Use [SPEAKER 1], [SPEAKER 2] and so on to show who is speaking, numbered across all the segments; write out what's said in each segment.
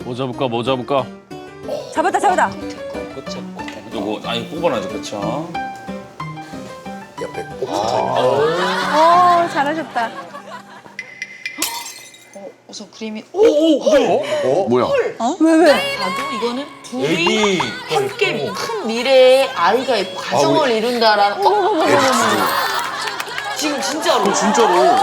[SPEAKER 1] 뭐 잡을까, 뭐 잡을까?
[SPEAKER 2] 잡았다, 잡았다.
[SPEAKER 1] 요거, 아니, 뽑아놔야죠, 그렇죠.
[SPEAKER 3] 옆에 꼭 붙어있네.
[SPEAKER 2] 잘하셨다.
[SPEAKER 4] 우선 그림이
[SPEAKER 1] 뭐야?
[SPEAKER 2] 왜?
[SPEAKER 4] 봐도 이거는 둘이
[SPEAKER 1] 애기.
[SPEAKER 4] 함께 큰 미래의 아이가 있고 가정을 이룬다라는 지금 진짜로
[SPEAKER 1] 진짜로.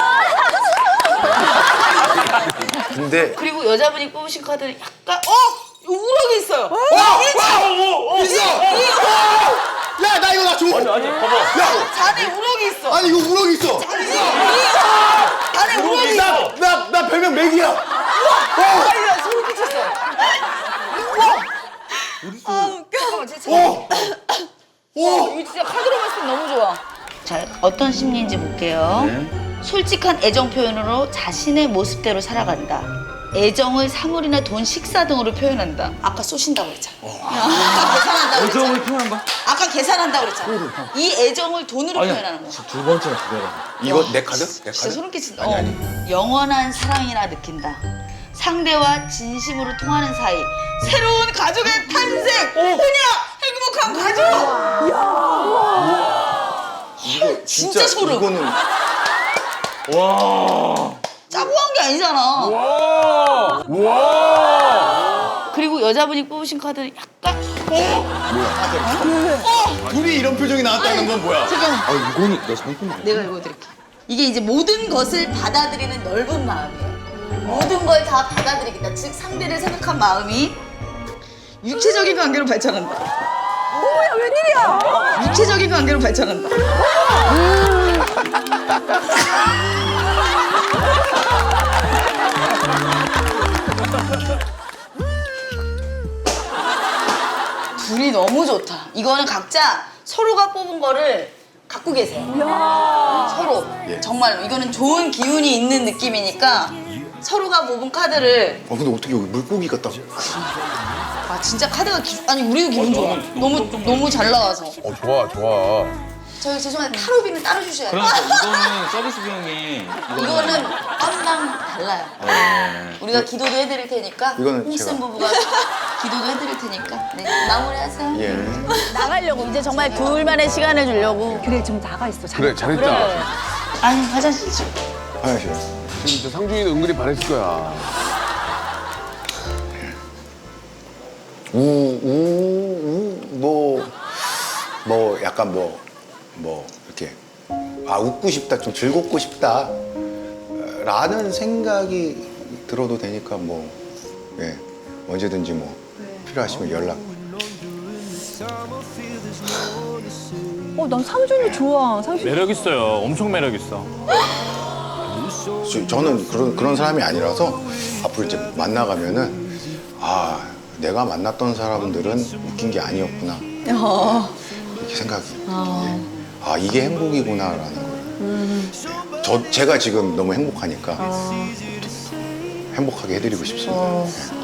[SPEAKER 3] 근데
[SPEAKER 4] 그리고 여자분이 뽑으신 카드는 약간 우럭이 있어요.
[SPEAKER 3] 있어! 야, 나 이거 나 줘!
[SPEAKER 1] 아니, 봐봐.
[SPEAKER 3] 야!
[SPEAKER 4] 잔에 우럭이 있어.
[SPEAKER 3] 아니, 이거 우럭 있어!
[SPEAKER 4] 잔에 우럭이 있어.
[SPEAKER 3] 나 별명 맥이야!
[SPEAKER 4] 아니 나 소름 끼쳤어. 잠깐만 제 이거 진짜 카드로 봤을 때 너무 좋아. 자 어떤 심리인지 볼게요. 솔직한 애정 표현으로 자신의 모습대로 살아간다. 애정을 사물이나 돈, 식사 등으로 표현한다. 아까 쏘신다고 그랬잖아. 아까 계산한다고 그랬잖아.
[SPEAKER 1] 애정을 표현한 거야?
[SPEAKER 4] 아까 계산한다고 그랬잖아. 이 애정을 돈으로 표현하는 거야.
[SPEAKER 1] 두 번째나 두 개라.
[SPEAKER 3] 이거 내 카드? 내
[SPEAKER 4] 진짜
[SPEAKER 3] 카드?
[SPEAKER 4] 소름 끼친다.
[SPEAKER 3] 아니.
[SPEAKER 4] 영원한 사랑이라 느낀다. 상대와 진심으로 통하는 사이. 새로운 가족의 탄생. 그냥 행복한 가족.
[SPEAKER 3] 이거
[SPEAKER 4] 진짜 소름.
[SPEAKER 3] 이거는
[SPEAKER 1] 와.
[SPEAKER 4] 짜고 한 게 아니잖아.
[SPEAKER 1] 와.
[SPEAKER 4] 그리고 여자분이 뽑으신 카드는 약간
[SPEAKER 3] 둘이 이런 표정이 나왔다는 건 뭐야?
[SPEAKER 4] 잠깐만
[SPEAKER 1] 아, 이거는 나 잘못 본 거야.
[SPEAKER 4] 내가 읽어드릴게. 이게 이제 모든 것을 받아들이는 넓은 마음이에요. 모든 걸 다 받아들이겠다. 즉 상대를 생각한 마음이 육체적인 관계로 발전한다.
[SPEAKER 2] 뭐야, 웬일이야?
[SPEAKER 4] 육체적인 관계로 발전한다. 둘이 너무 좋다. 이거는 각자 서로가 뽑은 거를 갖고 계세요. 서로. 정말로. 이거는 좋은 기운이 있는 느낌이니까 서로가 뽑은 카드를.
[SPEAKER 3] 근데 어떻게 여기 물고기가 딱.
[SPEAKER 4] 아, 진짜 카드가 아니, 우리도 기분 좋아. 너무 잘 나와서.
[SPEAKER 5] 좋아, 좋아.
[SPEAKER 4] 저희 죄송한데 타로비는 따로 주셔야 돼요.
[SPEAKER 1] 그러니까 이거는 서비스 비용이.
[SPEAKER 4] 이거는 건당 달라요. 우리가 기도도 해드릴 테니까.
[SPEAKER 3] 이거는
[SPEAKER 4] 홍쌤
[SPEAKER 3] 제가-
[SPEAKER 4] 부부가 기도도 해드릴 테니까. 네, 마무리하세요.
[SPEAKER 3] 예.
[SPEAKER 2] 나가려고.
[SPEAKER 4] 이제 정말 둘만의 시간을 주려고.
[SPEAKER 2] 그래, 좀 나가 있어.
[SPEAKER 5] 그래, 잘했다.
[SPEAKER 4] 아니, 화장실 좀.
[SPEAKER 3] 화장실.
[SPEAKER 5] 진짜 상준이는 은근히 반했을 거야.
[SPEAKER 3] 뭐, 약간 이렇게, 웃고 싶다, 좀 즐겁고 싶다, 라는 생각이 들어도 되니까 예, 언제든지 필요하시면 연락.
[SPEAKER 2] 난 상준이 좋아. 상준이.
[SPEAKER 1] 매력 있어요. 엄청 매력 있어.
[SPEAKER 3] 저는 그런 사람이 아니라서 앞으로 이제 만나가면은, 내가 만났던 사람들은 웃긴 게 아니었구나. 이렇게 생각이. 이게 행복이구나라는 걸. 제가 지금 너무 행복하니까 행복하게 해드리고 싶습니다. 예.